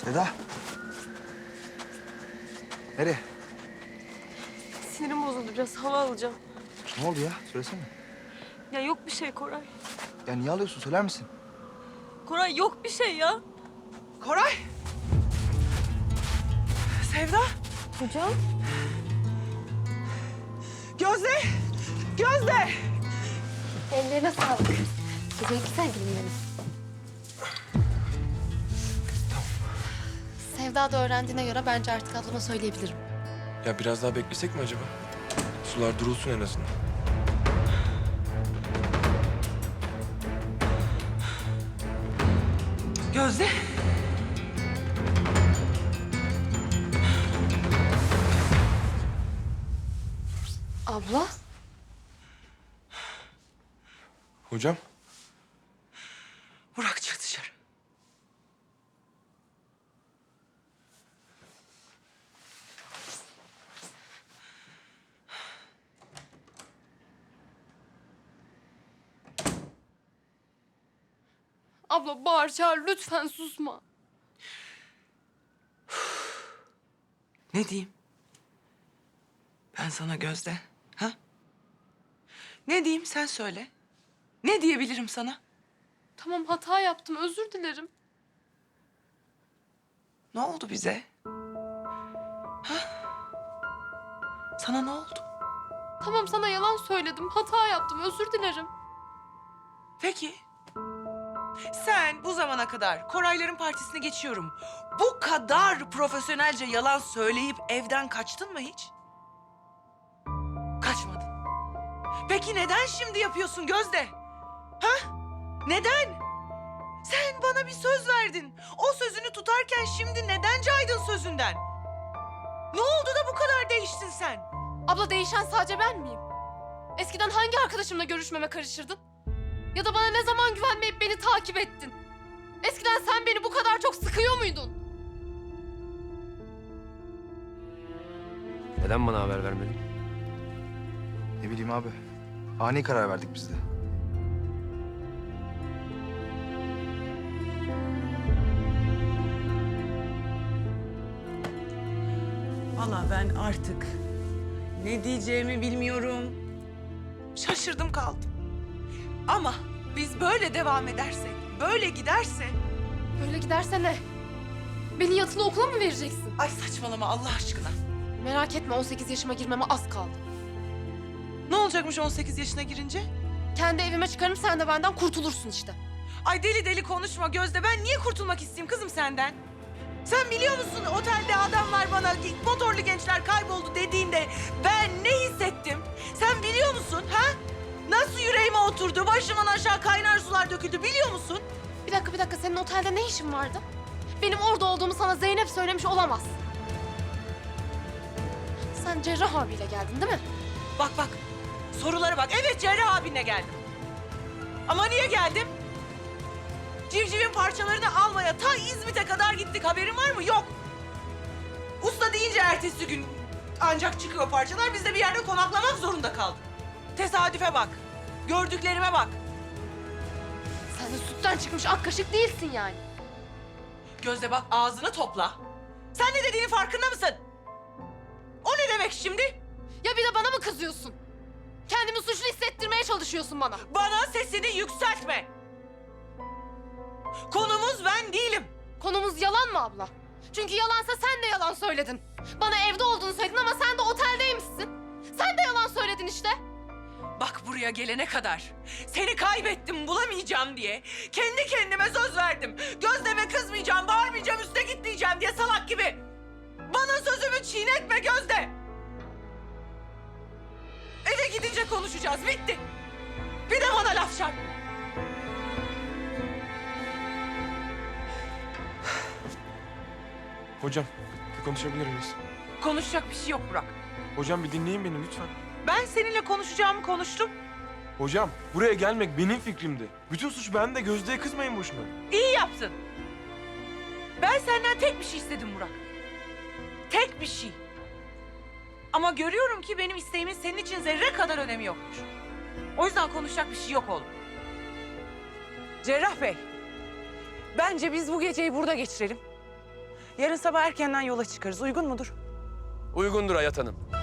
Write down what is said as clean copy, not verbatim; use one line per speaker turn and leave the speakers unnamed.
Seda. Nereye?
Sinirim bozuldu biraz. Hava alacağım.
Ne oldu ya? Söylesene.
Ya yok bir şey Koray.
Ya niye alıyorsun? Söyler misin?
Koray yok bir şey ya.
Koray! Sevda!
Hocam?
Gözde! Gözde!
Ellerine sağlık. Güzel güzel gelin benim. Sevda da öğrendiğine göre bence artık ablama söyleyebilirim.
Ya biraz daha beklesek mi acaba? Sular durulsun en azından.
Gözde!
Abla?
Hocam,
Burak çık dışarı.
Abla bağır çağır lütfen susma.
Ne diyeyim? Ben sana Gözde, ha? Ne diyeyim sen söyle. Ne diyebilirim sana?
Tamam hata yaptım özür dilerim.
Ne oldu bize? Ha? Sana ne oldu?
Tamam sana yalan söyledim hata yaptım özür dilerim.
Peki. Sen bu zamana kadar Korayların partisini geçiyorum. Bu kadar profesyonelce yalan söyleyip evden kaçtın mı hiç? Kaçmadın. Peki neden şimdi yapıyorsun Gözde? Ha? Neden? Sen bana bir söz verdin. O sözünü tutarken şimdi neden caydın sözünden? Ne oldu da bu kadar değiştin sen?
Abla değişen sadece ben miyim? Eskiden hangi arkadaşımla görüşmeme karışırdın? Ya da bana ne zaman güvenmeyip beni takip ettin? Eskiden sen beni bu kadar çok sıkıyor muydun?
Neden bana haber vermedin?
Ne bileyim abi. Ani karar verdik biz de.
Vallahi ben artık ne diyeceğimi bilmiyorum. Şaşırdım kaldım. Ama biz böyle devam edersek, böyle giderse...
Böyle giderse ne? Beni yatılı okula mı vereceksin?
Ay saçmalama Allah aşkına.
Merak etme 18 yaşıma girmeme az kaldı.
Ne olacakmış 18 yaşına girince?
Kendi evime çıkarım sen de benden kurtulursun işte.
Ay deli deli konuşma Gözde. Ben niye kurtulmak isteyeyim kızım senden? Sen biliyor musun otelde adamlar bana motorlu gençler kayboldu dediğinde ben ne hissettim? Sen biliyor musun ha? Nasıl yüreğime oturdu, başımdan aşağı kaynar sular döküldü biliyor musun?
Bir dakika senin otelde ne işin vardı? Benim orada olduğumu sana Zeynep söylemiş olamaz. Sen Cerrah abiyle geldin değil mi?
Bak sorulara bak. Evet Cerrah abinle geldim. Ama niye geldim? Civcivin parçalarını almaya ta İzmit'e kadar gittik. Haberin var mı? Yok. Usta deyince ertesi gün ancak çıkıyor parçalar. Biz de bir yerde konaklamak zorunda kaldık. Tesadüfe bak. Gördüklerime bak.
Sen de sütten çıkmış ak kaşık değilsin yani.
Gözde bak ağzını topla. Sen ne dediğinin farkında mısın? O ne demek şimdi?
Ya bir de bana mı kızıyorsun? Kendimi suçlu hissettirmeye çalışıyorsun bana.
Bana sesini yükseltme. Konumuz ben değilim.
Konumuz yalan mı abla? Çünkü yalansa sen de yalan söyledin. Bana evde olduğunu söyledin ama sen de oteldeymişsin. Sen de yalan söyledin işte.
Bak buraya gelene kadar seni kaybettim bulamayacağım diye kendi kendime söz verdim. Gözleme kızmayacağım, bağırmayacağım, üste gitmeyeceğim diye salak gibi. Bana sözümü çiğnetme Gözde. Eve gidince konuşacağız, bitti. Bir de bana laf çarp.
hocam bir konuşabilir miyiz?
Konuşacak bir şey yok Burak.
Hocam bir dinleyin beni lütfen.
Ben seninle konuşacağımı konuştum.
Hocam buraya gelmek benim fikrimdi. Bütün suç bende, Gözde'ye kızmayın boşuna.
İyi yaptın. Ben senden tek bir şey istedim Burak. Tek bir şey. Ama görüyorum ki benim isteğimin senin için zerre kadar önemi yokmuş. O yüzden konuşacak bir şey yok oğlum. Cerrah Bey, bence biz bu geceyi burada geçirelim. Yarın sabah erkenden yola çıkarız. Uygun mudur?
Uygundur Hayat Hanım.